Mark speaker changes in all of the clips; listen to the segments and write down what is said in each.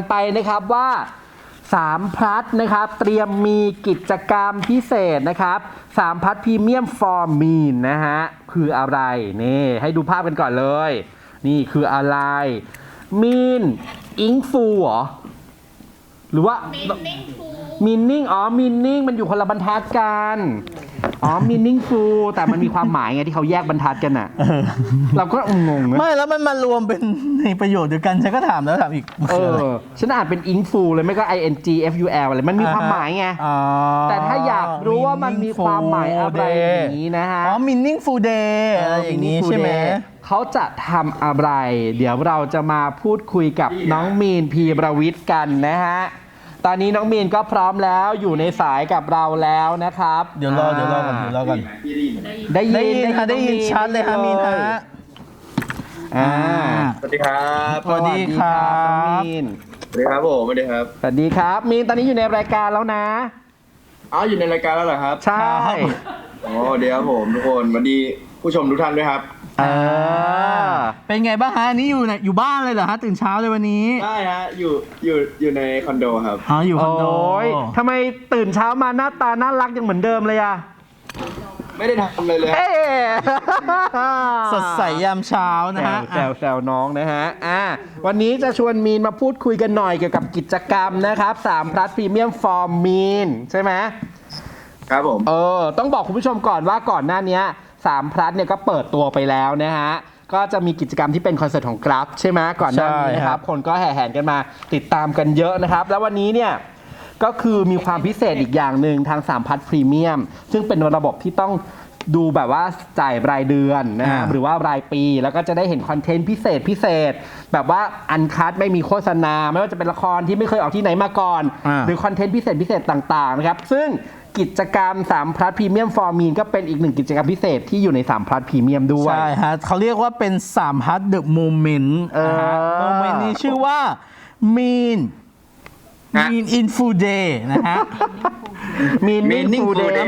Speaker 1: ไปนะครับว่า3 พลัสนะครับเตรียมมีกิจกรรมพิเศษนะครับ3 พลัสพรีเมียมฟอร์มีนนะฮะคืออะไรนี่ให้ดูภาพกันก่อนเลยนี่คืออะไรมีนอิงฟูเหรอหรือว่ามินนิ่งอ๋อมินนิ่งมันอยู่คนละบรรทัดกันอ๋อมินนิ่งฟูแต่มันมีความหมายไงที่เขาแยกบรรทัดกันอ่ะเราก็งงนะ
Speaker 2: ไม่แล้วมันมารวมเป็นในประโยชน์เดียวกันฉันก็ถามแล้วถามอีก
Speaker 1: ฉันอ่านเป็นอิงฟูเลยไม่ก็ INGFUL อะไรมันมีความหมายไงแต่ถ้าอยากรู้ว่ามันมีความหมายอะไรอย่างนี้นะฮะ
Speaker 2: อ๋อ meaningful day อะไรอย่างนี้ใช่ไหม
Speaker 1: เขาจะทำอะไรเดี๋ยวเราจะมาพูดคุยกับน้องมีนพีรวิทย์กันนะฮะตอนนี้น้องมีนก็พร้อมแล้วอยู่ในสายกับเราแล้วนะครับ
Speaker 2: เดี๋ยวรอก่อนได้ยินชัดเลยฮะมีนฮะ
Speaker 3: สวัสดีครับ
Speaker 2: สวัสดีครับ
Speaker 1: มีน
Speaker 3: สวัสดีครับผมสวัสดีครับ
Speaker 1: สวัสดีครับมีนตอนนี้อยู่ในรายการแล้วนะ
Speaker 3: อยู่ในรายการแล้วเหรอครับ
Speaker 1: ใช่
Speaker 3: เดี๋ยวผมทุกคนสวัสดีผู้ชมทุกท่านด้วยครับ
Speaker 2: เป็นไงบ้างฮะนี่อยู่บ้านเลยเหรอฮะตื่นเช้าเลยวันนี้
Speaker 3: ใช่ฮะอยู่ในคอนโดครับ
Speaker 2: อยู่คอนโด
Speaker 1: ทำไมตื่นเช้ามาหน้าตาน่ารักยังเหมือนเดิมเลยอะ
Speaker 3: ไม่ได้ทำเลย
Speaker 2: สดใสยามเช้านะฮะ
Speaker 1: แซวน้องนะฮะวันนี้จะชวนมีนมาพูดคุยกันหน่อยเกี่ยวกับกิจกรรมนะครับ3 plus Premium for Mean ใช่ไหม
Speaker 3: ครับผม
Speaker 1: ต้องบอกคุณผู้ชมก่อนว่าก่อนหน้านี้3 plus เนี่ยก็เปิดตัวไปแล้วนะฮะก็จะมีกิจกรรมที่เป็นคอนเสิร์ตของ Grab ใช่ไหมก่อนหน้านี้นะครับคนก็แห่แหนกันมาติดตามกันเยอะนะครับแล้ววันนี้เนี่ยก็คือมีความพิเศษอีกอย่างหนึ่งทาง3 plus Premium ซึ่งเป็นระบบที่ต้องดูแบบว่าจ่ายรายเดือนนะฮะหรือว่ารายปีแล้วก็จะได้เห็นคอนเทนต์พิเศษแบบว่าอันคัทไม่มีโฆษณาไม่ว่าจะเป็นละครที่ไม่เคยออกที่ไหนมาก่อนหรือคอนเทนต์พิเศษต่างๆนะครับซึ่งกิจกรรม3 plus Premium for Mean ก็เป็นอีกหนึ่งกิจกรรมพิเศษที่อยู่ใน3 plus Premium ด้วย
Speaker 2: ใช่ฮะเขาเรียกว่าเป็น3 plus The Moment โมเมนต์นี้ชื่อว่า Meaningful Day นะฮะ
Speaker 1: Meaningful Day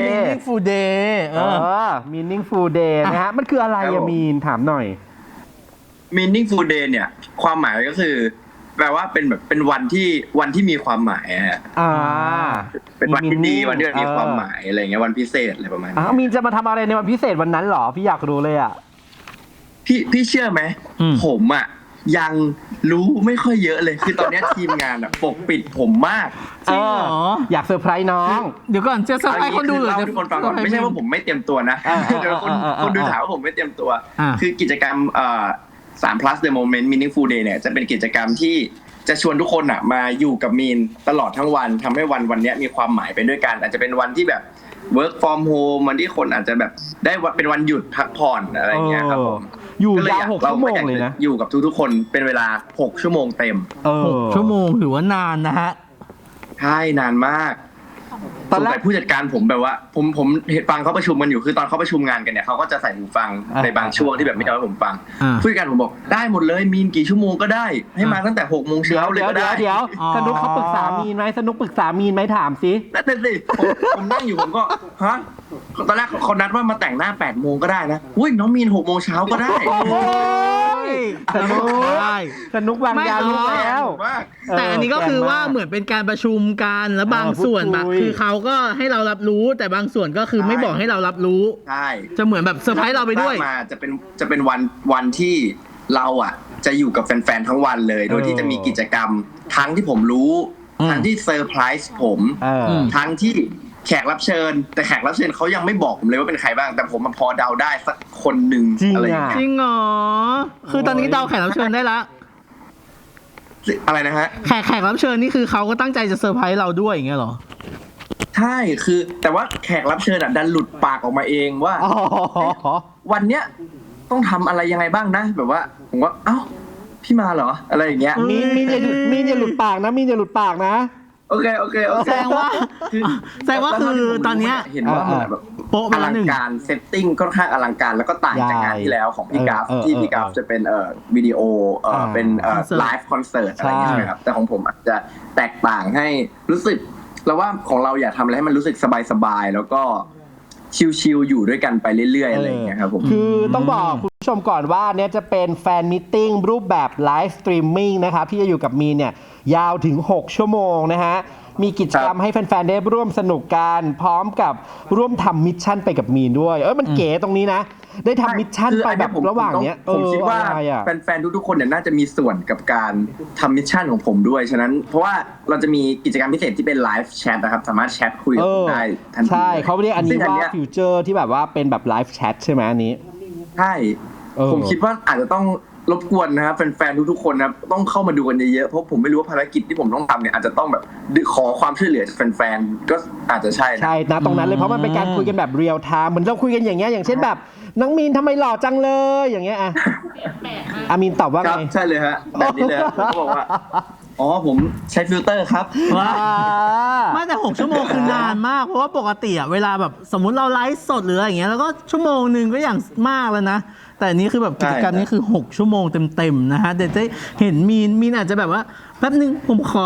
Speaker 2: Meaningful Day
Speaker 1: นะฮะมันคืออะไรอะมีนถามหน่อย
Speaker 3: Meaningful Day เนี่ยความหมายก็คือแปลว่าเป็นแบบเป็นวันที่มีความหมายฮะเป็นวันที่ดีวันที่มีความหมายอะไรเงี้ยวันพิเศษอะไรประมาณนี้
Speaker 1: มีนจะมาทำอะไรในวันพิเศษวันนั้นหรอพี่อยากรู้เลยอ่ะ
Speaker 3: พี่เชื่อไหมผมอ่ะยังรู้ไม่ค่อยเยอะเลยคือตอนนี้ทีมงานอ่ะปกปิดผมมาก
Speaker 1: จริงเหรออยากเซอร์ไพรส์น้อง
Speaker 2: เดี๋ยวก่อนจะเซอร์ไพรส์คนดูหรือ
Speaker 3: ทุกคนฟังก่อนไม่ใช่ว่าผมไม่เตรียมตัวนะเดี๋ยวคนดูถามว่าผมไม่เตรียมตัวคือกิจกรรม3 plus the moment meaningful day เนี่ยจะเป็นกิจกรรมที่จะชวนทุกคนมาอยู่กับมีนตลอดทั้งวันทำให้วันนี้มีความหมายไปด้วยกันอาจจะเป็นวันที่แบบ work from home วันที่คนอาจจะแบบได้เป็นวันหยุดพักผ่อนอะไรเงี้ยครับผม
Speaker 1: อยู่ยาว6 ชั่วโมงเลยนะ
Speaker 3: อยู่กับทุกคนเป็นเวลา6 ชั่วโมงเต็ม
Speaker 2: 6 ชั่วโมงถือว่านานนะฮะ
Speaker 3: ใช่นานมากตอนแรกผู้จัดการผมแบบว่าผมเห็นฟังเขาประชุมกันอยู่คือตอนเขาประชุมงานกันเนี่ยเขาก็จะใส่หูฟังในบางช่วงที่แบบไม่ได้ให้ผมฟังผู้จัดการผมบอกได้หมดเลยมีนกี่ชั่วโมงก็ได้ให้มาตั้งแต่6 โมงเช้าเลยก็ได้
Speaker 1: เดี๋ยวสนุกเขาปรึกษามีนไหมสนุกปรึกษามีนไหมถามสิ
Speaker 3: นั่นสิผมนั่งอยู่ผมก็ฮะตอนแรกเขานัดว่ามาแต่งหน้า8 โมงก็ได้นะอุ้ยน้องมีน6 โมงเช้าก็ได้
Speaker 1: สนุกวางยาลูกแล้ว
Speaker 2: แต่อันนี้ก็คือว่าเหมือนเป็นการประชุมกันแล้วบางส่วนแบบคือเขาก็ให้เรารับรู้แต่บางส่วนก็คือไม่บอกให้เรารับรู้
Speaker 3: ใช่
Speaker 2: จะเหมือนแบบเซอร์ไพรส์เราไปด้วย
Speaker 3: มาจะเป็นวันที่เราจะอยู่กับแฟนๆทั้งวันเลยโดยที่จะมีกิจกรรมทั้งที่ผมรู้ทั้งที่เซอร์ไพรส์ผมทั้งที่แขกรับเชิญแต่แขกรับเชิญเขายังไม่บอกผมเลยว่าเป็นใครบ้างแต่ผมพอเดาได้สักคนหนึ่งอะไรอย่างเงี้ย
Speaker 2: จริงเหรอคือตอนนี้เดาแขกรับเชิญได้ละ
Speaker 3: อะไรนะฮะ
Speaker 2: แขกรับเชิญนี่คือเขาก็ตั้งใจจะเซอร์ไพรส์เราด้วยอย่างเงี้ยเหรอ
Speaker 3: ใช่คือแต่ว่าแขกรับเชิญดันหลุดปากออกมาเองว่าวันเนี้ยต้องทำอะไรยังไงบ้างนะแบบว่าผมว่าเอ้าพี่มาเหรออะไรอย่างเงี้ย
Speaker 1: มีอย่าหลุดปากนะมีอย่าหลุดปากนะ
Speaker 3: โอเค
Speaker 2: แสดงว่าคือตอนเนี้ย
Speaker 3: เห็นว่าแบบ
Speaker 2: โป๊ะ
Speaker 3: อลังการเซตติ้งค่อนข้างอลังการแล้วก็ต่างจากงานที่แล้วของพี่กราฟที่พี่กราฟจะเป็นวิดีโอเป็นไลฟ์คอนเสิร์ตอะไรอย่างเงี้ยครับแต่ของผมอาจจะแตกต่างให้รู้สึกแล้วว่าของเราอยากทำอะไรให้มันรู้สึกสบายๆแล้วก็ชิลๆอยู่ด้วยกันไปเรื่อยๆอะไรอย่างเงี้ยครับผม
Speaker 1: คือต้องบอกคุณผู้ชมก่อนว่าเนี่ยจะเป็นแฟนมิทติ้งรูปแบบไลฟ์สตรีมมิ่งนะครับที่จะอยู่กับมีนเนี่ยยาวถึง6ชั่วโมงนะฮะมีกิจกรรมให้แฟนๆได้ร่วมสนุกกันพร้อมกับร่วมทำมิชชั่นไปกับมีนด้วยมันเก๋ตรงนี้นะได้ทำมิชชั่นไปแบบระหว่างเนี้ย
Speaker 3: ผมคิดว่าแฟนๆทุกๆคนเนี่ยน่าจะมีส่วนกับการทำมิชชั่นของผมด้วยฉะนั้นเพราะว่าเราจะมีกิจกรรมพิเศษที่เป็นไลฟ์แชทนะครับสามารถแชทคุยกับผมได้ทันที
Speaker 1: ใช่เขาเรียกอันนี้ว่าฟิวเจอร์ที่แบบว่าเป็นแบบไลฟ์แชทใช่ไหมอันนี้
Speaker 3: ใช่ผมคิดว่าอาจจะต้องรบกวนนะครับแฟนๆทุกๆคนนะครับต้องเข้ามาดูกันเยอะๆเพราะผมไม่รู้ว่าภารกิจที่ผมต้องทำเนี่ยอาจจะต้องแบบขอความช่วยเหลือจากแฟนๆก็อาจจะใช่
Speaker 1: นะตรงนั้นเลยเพราะมันเป็นการคุยกันแบบเรียลไทม์เหมือนเราคุยกันอย่างเงี้ยอย่างเช่นแบบน้องมีนทำไมหล่อจังเลยอย่างเงี้ยอามีนตอบว่าไง
Speaker 3: ใช่เลยฮะแบบนี้เลยเขาบอกว่าอ๋อผมใช้ฟิลเตอร์ครับ
Speaker 2: ไม่แต่6ชั่วโมงคือนานมากเพราะว่าปกติเวลาแบบสมมุติเราไลฟ์สดหรืออะไรอย่างเงี้ยแล้วก็ชั่วโมงนึงก็อย่างมากแล้วนะแต่อันนี้คือแบบกิจกรรมนี้คือ6ชั่วโมงเต็มๆนะฮะเดี๋ยวจะเห็นมีนอาจจะแบบว่าแป๊บนึงผมขอ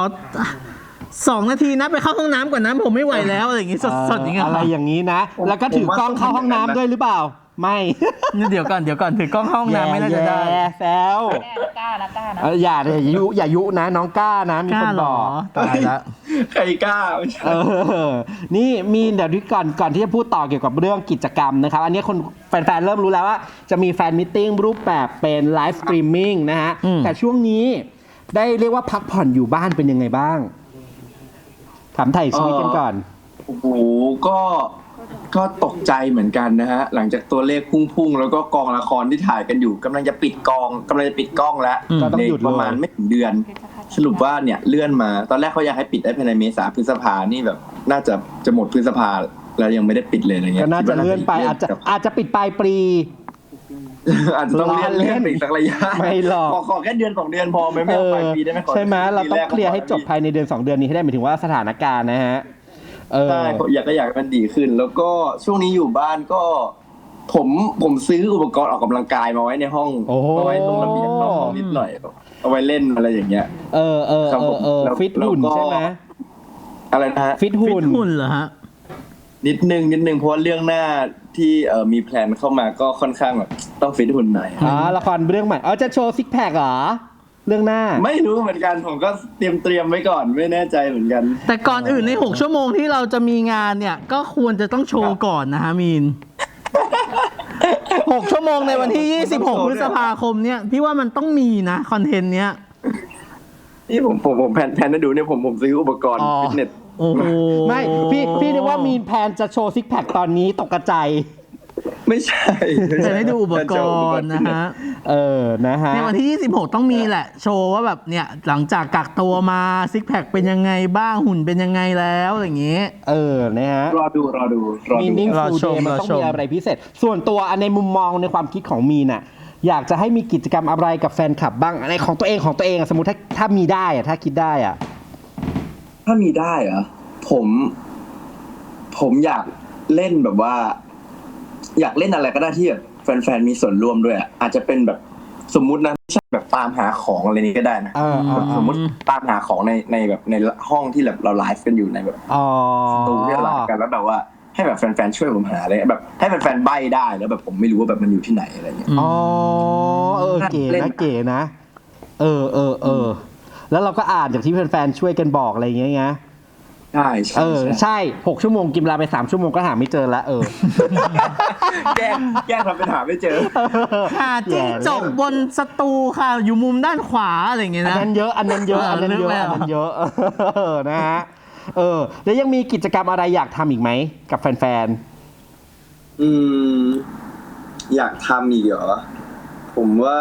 Speaker 2: 2 นาทีนะไปเข้าห้องน้ำก่อนนะผมไม่ไหวแล้วอะไรอย่างงี้สดๆอย่างเงี้ย
Speaker 1: อะไรอย่างนี้นะแล้วก็ถือกล้องเข้าห้องน้ำด้วยหรือเปล่าไม่
Speaker 2: เดี๋ยวก่อนถือกล้องห้องน้ำไม่น่าจะได้
Speaker 1: แซวกล้านะอย่ายุนะน้องกล้านะมีคนบอก
Speaker 2: ตายแล้ว
Speaker 3: ใครกล้า
Speaker 1: นี่มีเดี๋ยวก่อนที่จะพูดต่อเกี่ยวกับเรื่องกิจกรรมนะครับอันนี้คนแฟนๆเริ่มรู้แล้วว่าจะมีแฟนมิทติ้งรูปแบบเป็นไลฟ์สตรีมมิ่งนะฮะแต่ช่วงนี้ได้เรียกว่าพักผ่อนอยู่บ้านเป็นยังไงบ้างถามไถ่ชีวิตกันก่อน
Speaker 3: โอ้โหก็ตกใจเหมือนกันนะฮะหลังจากตัวเลขพุ่งแล้วก็กองละครที่ถ่ายกันอยู่กำลังจะปิดกล้องแล้ว
Speaker 1: ใน
Speaker 3: ประมาณไม่ถึงเดือนสรุปว่าเนี่ยเลื่อนมาตอนแรกเขาอยากให้ปิดได้ภายในเมษาพฤษภานี่แบบน่าจะหมดพฤษภาแล้วยังไม่ได้ปิดเลยอะไรเงี้ย
Speaker 1: ก็น่าจะเลื่อนไปอาจจะปิดปลายปี
Speaker 3: อาจจะต้องเลื่อนอีกสักระยะ
Speaker 1: ไม่หรอก
Speaker 3: ขอแค่เดือน2 เดือนพอไม่ปลายปีได้ไหม
Speaker 1: ใช่ไหมเราต้องเคลียร์ให้จบภายในเดือน2 เดือนนี้ให้ได้หมายถึงว่าสถานการณ์นะฮะ
Speaker 3: ใช่อยากมันดีขึ้นแล้วก็ช่วงนี้อยู่บ้านก็ผมซื้ออุปกรณ์ออกกำลังกายมาไว้ในห้องเอาไว้ตรงระเบียงห้องนิดหน่อยเอาไว้เล่นอะไรอย่างเงี้ย
Speaker 1: ฟิตหุ่นใช่ไหม
Speaker 3: อะไรนะฮะ
Speaker 2: ฟิตหุ่นเหรอฮะ
Speaker 3: นิดนึงเพราะเรื่องหน้าที่มีแพลนเข้ามาก็ค่อนข้างแบบต้องฟิตหุ่นหน่อย
Speaker 1: ละครเรื่องใหม่จะโชว์ซิกแพคเหรอเรื่องหน้า
Speaker 3: ไม่รู้เหมือนกันผมก็เตรียมไว้ก่อนไม่แน่ใจเหมือนกัน
Speaker 2: แต่ก่อนอื่นใน6ชั่วโมงที่เราจะมีงานเนี่ยก็ควรจะต้องโชว์ก่อนนะฮะมีน6ชั่วโมงในวันที่26พฤษภาคมเนี่ยพี่ว่ามันต้องมีนะคอนเทนต์เนี้ย
Speaker 3: นี่ผมแพนให้ดูเนี่ยผมซื้ออุปกรณ์ฟิตเนส
Speaker 2: โอ้โห
Speaker 1: ไม่พี่นึกว่ามีนแพนจะโชว์ซิกแพคตอนนี้ตกกระจาย
Speaker 3: ไม่ใช่
Speaker 2: จะให้ดูอุปกรณ์นะฮะ
Speaker 1: นะฮะ
Speaker 2: ในวันที่26ต้องมีแหละโชว์ว่าแบบเนี่ยหลังจากกักตัวมาซิกแพคเป็นยังไงบ้างหุ่นเป็นยังไงแล้วอย่างเงี้ย
Speaker 1: นะฮะ
Speaker 3: รอดู
Speaker 1: มีนิ่งฟูเดย์มันต้องมีอะไรพิเศษส่วนตัวในมุมมองในความคิดของมีนน่ะอยากจะให้มีกิจกรรมอะไรกับแฟนคลับบ้างอะไรของตัวเองสมมติถ้ามีได้ถ้าคิดได้
Speaker 3: ถ้ามีได้เหรอผมอยากเล่นแบบว่าอยากเล่นอะไรก็ได้ที่แบบแฟนๆมีส่วนร่วมด้วยอาจจะเป็นแบบสมมุตินะไม่ใช่แบบตามหาของอะไรนี้ก็ได้นะสมมุติตามหาของในแบบในห้องที่แบบเราไลฟ์กันอยู่ในแบบสตูที่เราไลฟ์กันแล้วแบบว่าให้แบบแฟนๆช่วยผมหาเลยแบบให้แฟนๆใบ้ได้แล้วแบบผมไม่รู้ว่าแบบมันอยู่ที่ไหนอะไรอย่างเงี้ย
Speaker 1: เก๋นะแล้วเราก็อ่านจากที่แฟนๆช่วยกันบอกอะไรอย่างเงี้ยใช่6ชั่วโมงกินเวลาไป3ชั่วโมงก็หาไม่เจอแล้ว
Speaker 3: แก้ทำเป็นหาไม่เจอ
Speaker 2: หาจิ้งจกบนสตูค่ะอยู่มุมด้านขวาอะไรอย่างเงี้ยนะ
Speaker 1: อันนั้นเยอะนะฮะแล้วยังมีกิจกรรมอะไรอยากทำอีกไหมกับแฟน
Speaker 3: ๆอยากทำอีกเหรอผมว่า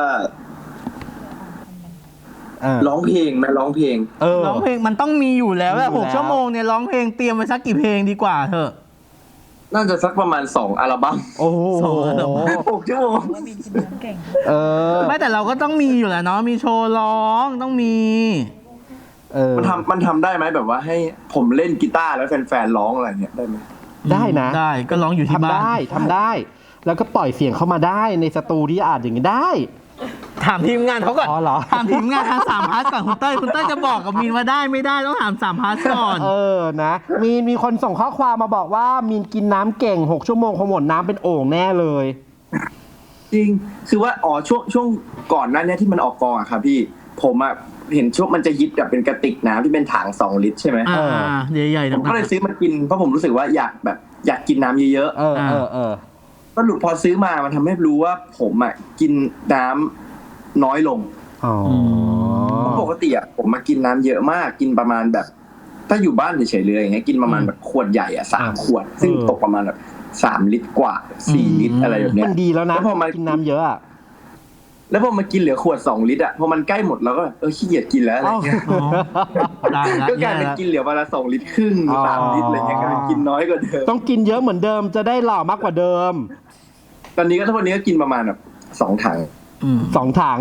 Speaker 3: ร้องเพลง
Speaker 2: มันต้องมีอยู่แล้ว6ชั่วโมงเนี่ยร้องเพลงเตรียมไว้สักกี่เพลงดีกว่าเถอะ
Speaker 3: น่าจะสักประมาณ2อัลบั้ม
Speaker 1: โอ้โห
Speaker 3: 6ชั่วโมง
Speaker 2: ไม่แต่เราก็ต้องมีอยู่แหละเนาะมีโชว์ร้องต้องมี
Speaker 3: มันทำได้ไหมแบบว่าให้ผมเล่นกีตาร์แล้วแฟนๆร้องอะไรเงี้ยได้ไหม
Speaker 1: ได้นะ
Speaker 2: ได้ก็ร้องอยู่ที่บ้าน
Speaker 1: ทำได้แล้วก็ปล่อยเสียงเข้ามาได้ในสตูที่อาจอย่างนี้ได้
Speaker 2: ถามทีมงานเขาก่อนถามทีมงานทาง3พาร์ทก่อนคุณเต้ยจะบอกกับมีนว่าได้ไม่ได้ต้องถาม3พาร์ทก่อน
Speaker 1: นะมีคนส่งข้อความมาบอกว่ามีนกินน้ำเก่ง6ชั่วโมงคงหมดน้ำเป็นโอ่งแน่เลย
Speaker 3: จริงคือว่าช่วงก่อนนั้นเนี่ยที่มันออกกองอะครับพี่ผมเห็นช่วงมันจะฮิตแบบเป็นกระติกน้ำที่เป็นถัง2 ลิตรใช่ไหม
Speaker 2: ใหญ่ๆ
Speaker 3: ผมก็เลยซื้อมากินเพราะผมรู้สึกว่าอยากกินน้ำเยอะๆก็หลุดพอซื้อมามันทำให้รู้ว่าผมอ่ะกินน้ำน้อยลงปกติอ่ะผมมากินน้ำเยอะมากกินประมาณแบบถ้าอยู่บ้านเฉยๆเลยอย่างเงี้ยกินประมาณแบบขวดใหญ่อ่ะ3 ขวดซึ่งตกประมาณแบบ3 ลิตรกว่า4 ลิตรอะไรแบบเนี้ย
Speaker 1: มันดีแล้วนะพอมากินน้ำเยอะ
Speaker 3: แล้วพอมากินเหลือขวด2 ลิตรอ่ะพอมันใกล้หมดแล้วก็ขี้เกียจกินแล้วอะไรเงี้ยก็กลายเป็นกินเหลือวันละ2 ลิตรครึ่ง3 ลิตรอะไรเงี้ยก็กินน้อยกว่าเดิม
Speaker 1: ต้องกินเยอะเหมือนเดิมจะได้หล่อมากกว่าเดิม
Speaker 3: ตอนนี้ก็ทุกวันนี้ก็กินประมาณแบบ2 ถัง
Speaker 1: 2 ถัง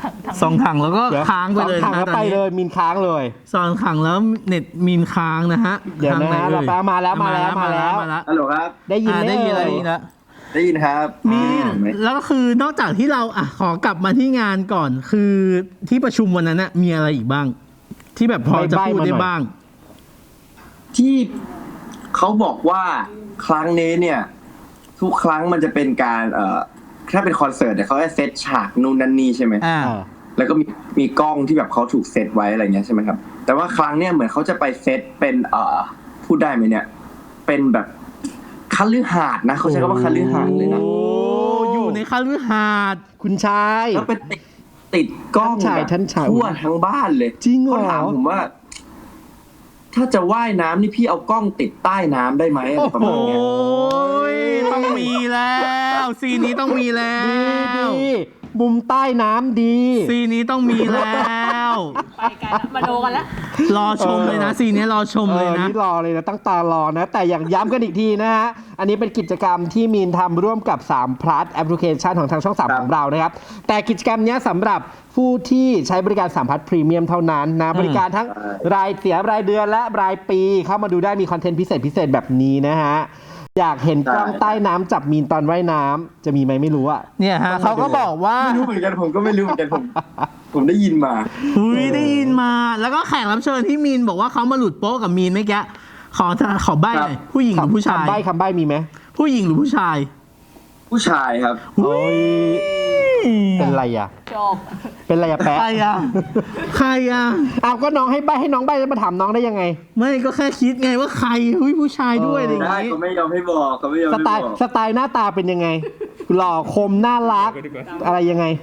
Speaker 2: 2 ถังแล้วก็ค้างไปเลย
Speaker 1: 2 ถังแล้วไปเลยมีนค้างเลย
Speaker 2: 2 ถังแล้วเน็ตมีนค้างนะฮะ
Speaker 1: เดี๋ยวนะเรามาแล้ว
Speaker 3: ฮัลโหลครับ
Speaker 1: ได้ยิน
Speaker 2: ได้ยินอะไรนะ
Speaker 3: ได้ยินครับ
Speaker 2: มีแล้วก็คือนอกจากที่เราขอกลับมาที่งานก่อนคือที่ประชุมวันนั้นน่ะมีอะไรอีกบ้างที่แบบพอจะพูดได้บ้าง
Speaker 3: ที่เขาบอกว่าครั้งนี้เนี่ยทุกครั้งมันจะเป็นการถ้าเป็นคอนเสิร์ตเนี่ยเขาจะเซตฉากนู่นนั่นนี่ใช่ไหมแล้วก็มีกล้องที่แบบเขาถูกเซตไว้อะไรเงี้ยใช่ไหมครับแต่ว่าครั้งเนี้ยเหมือนเขาจะไปเซตเป็นพูดได้ไหมเนี่ยเป็นแบบคฤหาสน์นะเขาใช้คำว่าคฤหาสน์เลยนะ
Speaker 2: อยู่ในคฤหาสน์
Speaker 1: คุณชาย
Speaker 3: แล้วไปติดกล้องทั่วทั้งบ้านเลย
Speaker 1: จริงเหรอ
Speaker 3: เขาถามผมว่าถ้าจะว่ายน้ำนี่พี่เอากล้องติดใต้น้ำได้ไหมประมาณนี้
Speaker 2: ต้องมีแล้วซีนี้ต้องมีแล้ว
Speaker 1: มุมใต้น้ำดี
Speaker 2: ซีนี้ต้องมีแล้ว
Speaker 4: ไปไกลแล้วมาดูกันแล้ว
Speaker 2: รอชมเลยนะซีนี้รอชมเลยนะ
Speaker 1: นี่รอเลยนะตั้งตารอนะแต่อย่างย้ำกันอีกทีนะฮะอันนี้เป็นกิจกรรมที่มีนทำร่วมกับ3 plus แอปพลิเคชันของทางช่อง3ของเรานะครับแต่กิจกรรมนี้สำหรับผู้ที่ใช้บริการ3 plus พรีเมียมเท่านั้นนะบริการทั้งรายเสียรายเดือนและรายปีเข้ามาดูได้มีคอนเทนต์พิเศษแบบนี้นะฮะอยากเห็นกล้องใต้น้ำจับมีนตอนว่ายน้ำจะมีไหมไม่รู้อ่ะ
Speaker 2: เนี่ยฮะเขาก็บอกว่า
Speaker 3: ไม่รู้เหมือนกันผมก็ไม่รู้เหมือนกันผมได้ยินมา
Speaker 2: ได้ยินมาแล้วก็แขกรับเชิญที่มีนบอกว่าเขามาหลุดโป๊ะกับมีนเมื่อกี้ขอใบ้หน่อยผู้หญิงหรือผู้ชาย
Speaker 1: คำใบ้มีไหม
Speaker 2: ผู้หญิงหรือผู้ชาย
Speaker 3: ผู้ชายครับ
Speaker 1: โอ้ยเป็นไรอ่ะ
Speaker 4: จบ
Speaker 1: เป็นไรอะแป๊ะ
Speaker 2: ใครอ่ะ
Speaker 1: อ้าวก็น้องให้ใบ้ให้น้องใบ้แล้วมาถามน้องได้ยังไง
Speaker 2: ไม่ก็แค่คิดไงว่าใครผู้ชายด้วยอะไรอย่าง
Speaker 3: งี้เขาไม่ยอมให้บอกเขาไม่ยอมให้บอก
Speaker 1: สไตล์หน้าตาเป็นยังไงหล่อคมน่ารักอะไรยังไง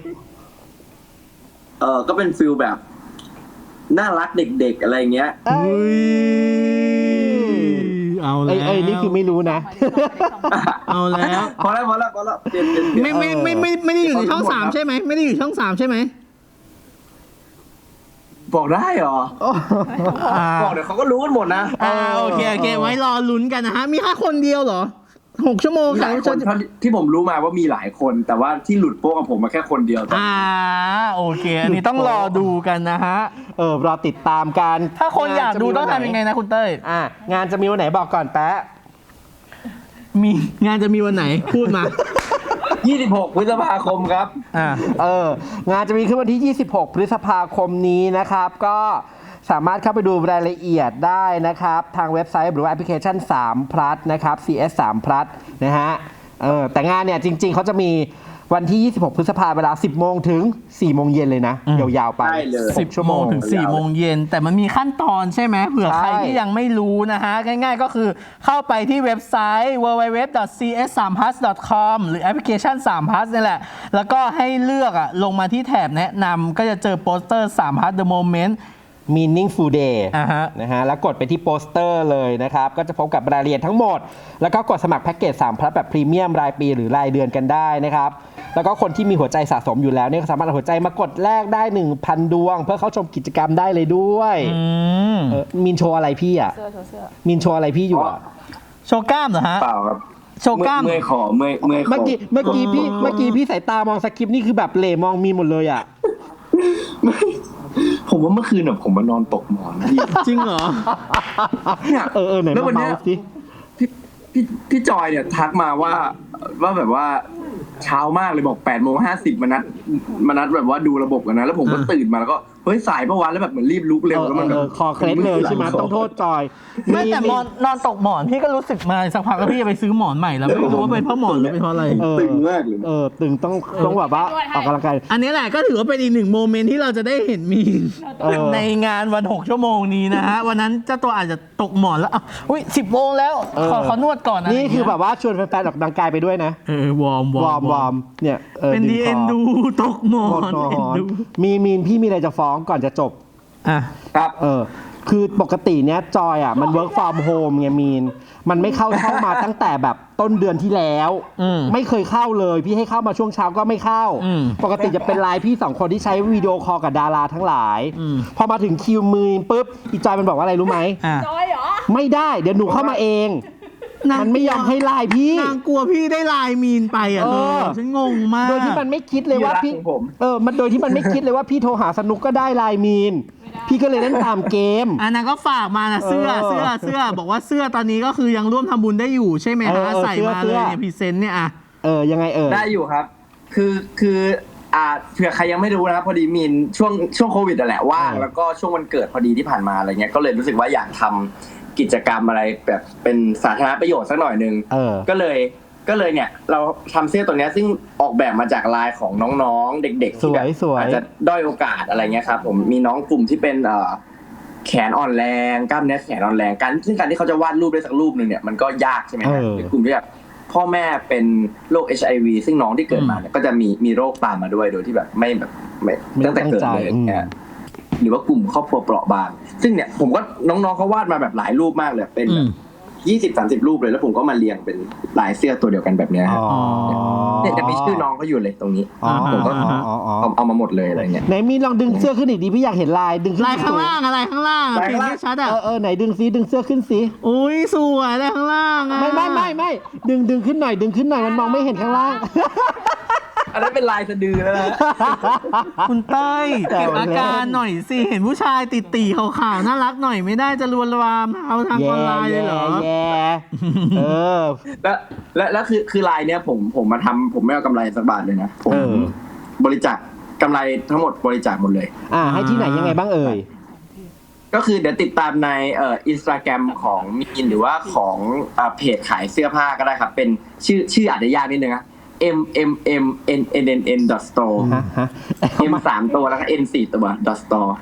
Speaker 3: ก็เป็นฟิลแบบน่ารักเด็กๆอะไรเงี้ย
Speaker 2: เอาแล้ว
Speaker 1: นี่คือไม่รู้นะ
Speaker 2: เอาแล้ว
Speaker 3: พอแล้ว
Speaker 2: ไม่ได้อยู่ในช่อง3ใช่ไหมไม่ได้อยู่ช่อง3ใช่ไหม
Speaker 3: บอกได้หรอบอกเดี๋ยวเขาก็รู้กันหมดนะ
Speaker 2: โอเคไว้รอลุ้นกันนะฮะมีแค่คนเดียวเหรอ6 ชั่วโมง
Speaker 3: หลายคนที่ผมรู้มาว่ามีหลายคนแต่ว่าที่หลุดโป๊ะกับผมมาแค่คนเดียว
Speaker 2: โอเคอันนี้ต้องรอดูกันนะฮะ
Speaker 1: รอติดตามกัน
Speaker 2: ถ้าคนอยากดูต้องทำยังไงนะคุณเต้ย
Speaker 1: งานจะมีวันไหนบอกก่อนแป๊ะ
Speaker 2: มีงานจะมีวันไหนพูดมา
Speaker 3: 26 พฤษภาคมครับ
Speaker 1: งานจะมีขึ้นวันที่26 พฤษภาคมนี้นะครับก็สามารถเข้าไปดูรายละเอียดได้นะครับทางเว็บไซต์หรือว่าแอปพลิเคชัน3 plus นะครับ CS 3 plus นะฮะแต่งานเนี่ยจริงๆเขาจะมีวันที่26 พฤษภาคมเวลา 10 โมงถึง 4 โมงเย็นเลยนะยาวๆไป
Speaker 2: 10 ชั่วโมงถึง 4 โมงเย็นแต่มันมีขั้นตอนใช่ไหมเผื่อใครที่ยังไม่รู้นะฮะง่ายๆก็คือเข้าไปที่เว็บไซต์ www.cs3plus.com หรือแอปพลิเคชัน3 plus นี่แหละแล้วก็ให้เลือกลงมาที่แถบแนะนำก็จะเจอโปสเตอร์3 plus the moment
Speaker 1: Meaningful Day นะฮะแล้วกดไปที่โปสเตอร์เลยนะครับก็จะพบกับรายละเอียดทั้งหมดแล้วก็กดสมัครแพ็กเกจ3 plus แบบพรีเมียมรายปีหรือรายเดือนกันได้นะครับแล้วก็คนที่มีหัวใจสะสมอยู่แล้วเนี่ยสามารถเอาหัวใจมากดแลกได้ 1,000 ดวงเพื่อเข้าชมกิจกรรมได้เลยด้วยมินโชว์อะไรพี่อ่ะมินโชว์อะไรพี่อยู่อ่ะ
Speaker 2: โชว์กล้ามเหรอฮะ
Speaker 3: เปล่าครับ
Speaker 2: โชว์กล้าม
Speaker 3: เมื่อยขอเมื่
Speaker 1: อกี้พี่สายตามองสคริปต์นี่คือแบบเหล่มองมีหมดเลยอ่ะ
Speaker 3: ผมว่าเมื่อคืนผมมานอนตกหมอนพี่
Speaker 2: จริงเหรอ
Speaker 3: เนี่ย
Speaker 1: ไหนแล้ววันนี้
Speaker 3: พี่จอยเนี่ยทักมาว่าแบบว่าเช้ามากเลยบอก8:50 มานัดแบบว่าดูระบบกันนะแล้วผมก็ตื่นมาแล้วก็เฮ้ยสายประวันแล้วแบบเหมือนรีบลุกเร็วแล้วมันแบบ
Speaker 1: คอเคล็ดเลยใช่ไหมต้องโทษจอย
Speaker 2: ไม่แต่นอนตกหมอนพี่ก็รู้สึกมาสักพักแล้วพี่จะไปซื้อหมอนใหม่แล้วไม่รู้ว่าเป็นเพราะหมอนหรือเป็นเพราะอะไร
Speaker 3: ตึงมากเลย
Speaker 1: ตึงต้องแบบว่าออกกำลังกาย
Speaker 2: อันนี้แหละก็ถือว่าเป็นอีกหนึ่งโมเมนต์ที่เราจะได้เห็นมีน
Speaker 1: เออ
Speaker 2: ในงานวัน 6 ชั่วโมงนี้นะฮะ วันนั้นเจ้าตัวอาจจะตกหมอนแล้วอุ้ย10 โมงแล้ว ขอนวดก่อนนะ
Speaker 1: นี่คือแบบว่าชวนแฟนๆออกกำลังกายไปด้วยนะ
Speaker 2: วอร์ม
Speaker 1: เนี่ย
Speaker 2: เป็นดี
Speaker 1: งค
Speaker 2: เอ็นดูตกหมอ
Speaker 1: หมด
Speaker 2: น
Speaker 1: หมอ
Speaker 2: เอ็นดู
Speaker 1: มีนพี่มีอะไรจะฟ้องก่อนจะจบ
Speaker 2: อ่ะ
Speaker 3: ครับ
Speaker 1: คือปกติเนี้ยจอยมัน work from home ไงมีนมันไม่เข้าช่องมาตั้งแต่แบบต้นเดือนที่แล้ว ไม่เคยเข้าเลยพี่ให้เข้ามาช่วงเช้าก็ไม่เข้า ปกติจะเป็นไลน์พี่2คนที่ใช้วิดีโอคอลกับดาราทั้งหลายพอมาถึงคิวมือปุ๊บอีจอยมันบอกว่าอะไรรู้ไหม
Speaker 4: จอยเหรอ
Speaker 1: ไม่ได้เดี๋ยวหนูเข้ามาเองมันไม่ยอมให้ไลน์พี่
Speaker 2: นางกลัวพี่ได้ไลน์มีนไปอ่ะฉันงงมาก
Speaker 1: โดยที่มันไม่คิดเลยว่าพี่
Speaker 3: ที่รักของผม
Speaker 1: มันโดยที่มันไม่คิดเลยว่าพี่โทรหาสนุกก็ได้ไลน์มีนพี่ก็เลยเล่นตามเกม
Speaker 2: นางก็ฝากมานะเสื้อบอกว่าเสื้อตอนนี้ก็คือยังร่วมทำบุญได้อยู่ใช่ไหมฮะใส่มาเลยเนี่ยพรีเซนต์เนี่ยอ่ะ
Speaker 1: ยังไง
Speaker 3: ได้อยู่ครับ คือเผื่อใครยังไม่รู้นะครับพอดีมีนช่วงโควิดนั่นแหละว่างแล้วก็ช่วงวันเกิดพอดีที่ผ่านมาอะไรเงี้ยก็เลยรู้สึกว่าอยากทำกิจกรรมอะไรแบบเป็นสาธารณประโยชน์สักหน่อยนึงก็เลยเนี่ยเราทำเสื้อตัวเนี้ยซึ่งออกแบบมาจากลายของน้องๆเด็กๆที่แบบอาจจะด้อยโอกาสอะไรเงี้ยครับผมมีน้องกลุ่มที่เป็นแขนอ่อนแรงกล้ามเนื้อแขนอ่อนแรงซึ่งการที่เขาจะวาดรูปได้สักรูปนึงเนี่ยมันก็ยากใช่ไหมครับในกลุ่มที่แบบพ่อแม่เป็นโรค HIV ซึ่งน้องที่เกิดมาเนี่ยก็จะมีโรคตามมาด้วยโดยที่แบบไม่ตั้งแต่เกิดเลยเนี่ยหรือว่ากลุ่มครอบครัวเปราะบางซึ่งเนี่ยผมก็น้องๆเขาวาดมาแบบหลายรูปมากเลยเป็นแบบ20-30 รูปเลยแล้วผมก็มาเรียงเป็นลายเสื้อตัวเดียวกันแบบนี้เนี่ยจะมีชื่อน้องเขาอยู่เลยตรงนี้ผมก็เอามาหมดเลยอะไรเงี้ย
Speaker 1: ไหนมีลองดึงเสื้อขึ้นอีกดิพี่อยากเห็นลายดึงขึ้น
Speaker 2: ลายข้างล่างอะไรข้างล่างปิดไม่ชัดอ่ะ
Speaker 1: ไหนดึงเสื้อขึ้นสิ
Speaker 2: อุ้ยสวยอะไรข้างล่างอ่ะ
Speaker 1: ไม่ดึงขึ้นหน่อยมันมองไม่เห็นข้างล่าง
Speaker 3: อันนั้นเป็นลายสะดือแล้วนะ
Speaker 2: คุณเต้ยเก็บอาการหน่อยสิเห็นผู้ชายติขาวๆน่ารักหน่อยไม่ได้จะลวนลามเอาทางออนไลน์เลยเหรอ
Speaker 3: แล้วคือลายเนี้ยผมมาทำผมไม่เอากำไรสักบาทเลยนะผมบริจาคกำไรทั้งหมดบริจาคหมดเลย
Speaker 1: ให้ที่ไหนยังไงบ้างเอ่ย
Speaker 3: ก็คือเดี๋ยวติดตามในInstagram ของมีนหรือว่าของเพจขายเสื้อผ้าก็ได้ครับเป็นชื่ออาจจะยากนิดนึงนะm3n4 m 3ตัวแล้วก็ n 4ตัว .store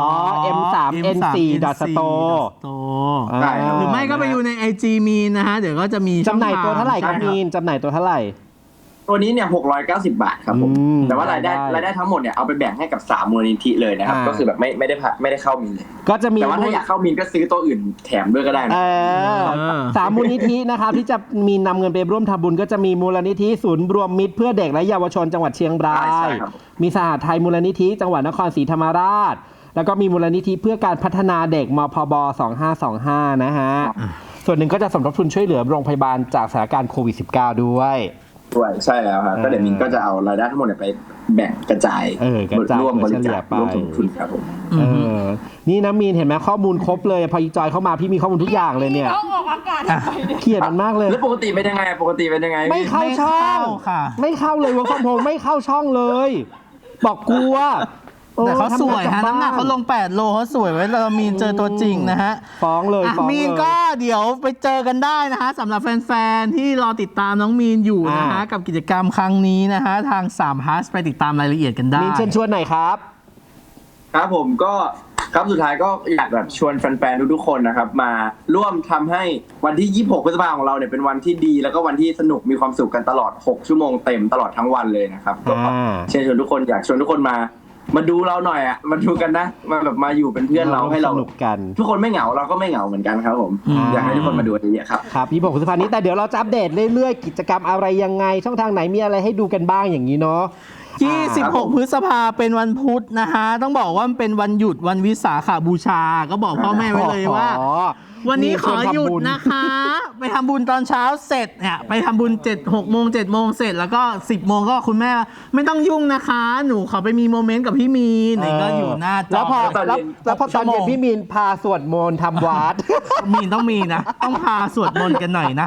Speaker 1: m3n4.store
Speaker 2: หรือไม่ก็ไปดูใน IG มีนนะฮะเดี๋ยวก็จะมี
Speaker 1: จำหน่ายตัวเท่าไหร่ครับมีนจำหน่ายตัวเท่าไหร่
Speaker 3: ตัวนี้เนี่ย690 บาทครับผมแต่ว่ารายได้ทั้งหมดเนี่ยเอาไปแบ่งให้กับ3มูลนิธิเลยนะครับก็คือแบบไม่ได้เข้ามีนเลย
Speaker 1: ก็จะมี
Speaker 3: แต่ว่าถ้าอยากเข้ามีนก็ซื้อตัวอื่นแถมด้วยก็ได้นะ
Speaker 1: 3มูลนิธินะครับที่จะมีนำเงินไปร่วมทำบุญก็จะมีมูลนิธิศูนย์รวมมิตรเพื่อเด็กและเยาวชนจังหวัดเชียงรายมีสหไทยมูลนิธิจังหวัดนครศรีธรรมราชแล้วก็มีมูลนิธิเพื่อการพัฒนาเด็กมพบ2525นะฮะส่วนหนึ่งก็จะสมทบทุนช่วยเหลือโรงพยาบาลจากสถานการณ์โควิด -19 ด้วย
Speaker 3: ใช่แล้วครับก็เดี๋ยวมินก็จะเอารายได้ทั้งหมดไปแบ่งกระจายร่วมบริจาคร่วมสมทบทุนครับผม
Speaker 1: นี่นะมีนเห็นไหมข้อมูลครบเลยพอจอยเข้ามาพี่มีข้อมูลทุกอย่างเลยเนี่ย
Speaker 4: ต้องออกอากาศ
Speaker 1: เกลียดมันมากเลย
Speaker 3: แล้วปกติเป็นยังไง
Speaker 1: ไม่เข้าช่องไม่เข้าเลยว่าคอมโพไม่เข้าช่องเลยบอกกลัว
Speaker 2: แต่เขาสวยฮะน้ำหนักเขาลง8 โลเขาสวยไว้เรามีนเจอตัวจริงนะฮะ
Speaker 1: ฟ้องเลย
Speaker 2: มีนก็เดี๋ยวไปเจอกันได้นะฮะสำหรับแฟนๆที่รอติดตามน้องมีนอยู่นะฮะกับกิจกรรมครั้งนี้นะฮะทาง3 Plus ไปติดตามรายละเอียดกันได้
Speaker 1: มีนเชิญชวนหน่อยครับ
Speaker 3: ครับผมก็ครับสุดท้ายก็อยากแบบชวนแฟนๆทุกๆคนนะครับมาร่วมทำให้วันที่26 พฤษภาคมของเราเนี่ยเป็นวันที่ดีแล้วก็วันที่สนุกมีความสุขกันตลอด6 ชั่วโมงเต็มตลอดทั้งวันเลยนะครับก็เชิญชวนทุกคนอยากชวนทุกคนมาดูเราหน่อยอ่ะมาดูกันนะมาอยู่เป็นเพื่อนเราให้เรา
Speaker 1: สนุกกัน
Speaker 3: ทุกคนไม่เหงาเราก็ไม่เหงาเหมือนกันครับผมอยากให้ทุกคนมาดูเยอะๆครับ
Speaker 1: ครับ26 พฤษภาคมนี้แต่เดี๋ยวเราจะอัปเดตเรื่อยๆกิจกรรมอะไรยังไงช่องทางไหนมีอะไรให้ดูกันบ้างอย่างนี้เนาะ
Speaker 2: 26 พฤษภาเป็นวันพุธนะฮะต้องบอกว่ามันเป็นวันหยุดวันวิสาขบูชาก็บอกพ่อแม่ไว้เลยว่าวันนี้ขอหยุดนะคะไปทำบุญตอนเช้าเสร็จเนี่ยไปทำบุญ6 โมง 7 โมงเสร็จแล้วก็10 โมงก็คุณแม่ไม่ต้องยุ่งนะคะหนูขอไปมีโมเมนต์กับพี่มีนนี่ก็อยู่หน้าจอ
Speaker 1: แล้วพอตอนเย็นพี่มีนพาสวดมนต์ทำวัด
Speaker 2: มีนต้องมีนะต้องพาสวดมนต์กันหน่อยนะ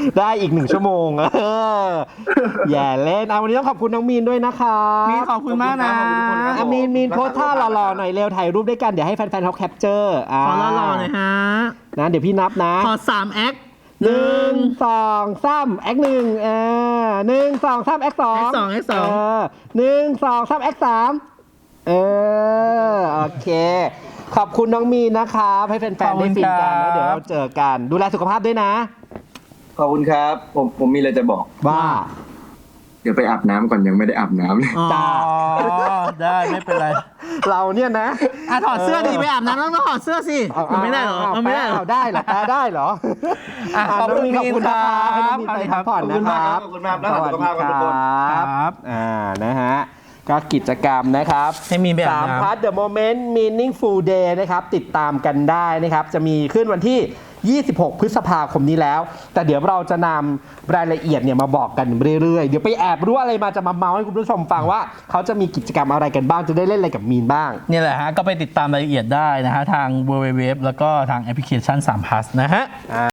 Speaker 1: ได้อีก1 ชั่วโมงอย่าเล่นวันนี้ต้องขอบคุณน้องมีนด้วยนะคะ
Speaker 2: มีขอบคุณมากนะ
Speaker 1: มีนโพสท่าหล่อๆหน่อยเร็วถ่ายรูปด้วยกันเดี๋ยวให้แฟนๆเขาแคปเจอร์
Speaker 2: ขอหล่อๆหน่อยฮะ
Speaker 1: นะเดี๋ยวพี่นับนะ
Speaker 2: ขอ3แอค
Speaker 1: 1 2 3แอค11 2 3แอค2
Speaker 2: แอค2
Speaker 1: 1 2 3แอค3โอเคขอบคุณน้องมีนนะครับให้แฟนๆได้ฟินกันแล้วเดี๋ยวเราเจอกันดูแลสุขภาพด้วยนะ
Speaker 3: ขอบคุณครับผมมีอะไรจะบอก
Speaker 1: ว่า
Speaker 3: เดี๋ยวไปอาบน้ำก่อนยังไม่ได้อาบน้ำเลย
Speaker 2: อ๋อ
Speaker 1: จ้า
Speaker 2: ได้ไม่เป็นไร
Speaker 1: เราเนี่ยนะ
Speaker 2: ถอดเสื้อดีไปอาบน้ำต้องถอดเสื้อสิไม่ได้เหรอไม่ได้เหรอ
Speaker 1: ได้เหรอได้เหรอ
Speaker 2: ขอบคุณ
Speaker 1: ขอบคุณนะครับให้น้องมีนไปพักผ่อนนะครับ
Speaker 3: ขอบคุณมากครับขอบคุณมากครับทุกคน
Speaker 1: ครับนะฮะก็กิจกรรมนะครับ
Speaker 2: ให้มีแบบ
Speaker 1: 3 Plus The Moment Meaningful Day นะครับติดตามกันได้นะครับจะมีขึ้นวันที่ 26 พฤษภาคมนี้แล้ว แต่เดี๋ยวเราจะนำรายละเอียดเนี่ยมาบอกกันเรื่อยๆเดี๋ยวไปแอบรู้อะไรมาจะมาเมาให้คุณผู้ชมฟังว่าเขาจะมีกิจกรรมอะไรกันบ้างจะได้เล่นอะไรกับมีนบ้าง
Speaker 2: นี่แหละฮะก็ไปติดตามรายละเอียดได้นะฮะทาง www แล้วก็ทางแอปพลิเคชัน3 plus นะฮะ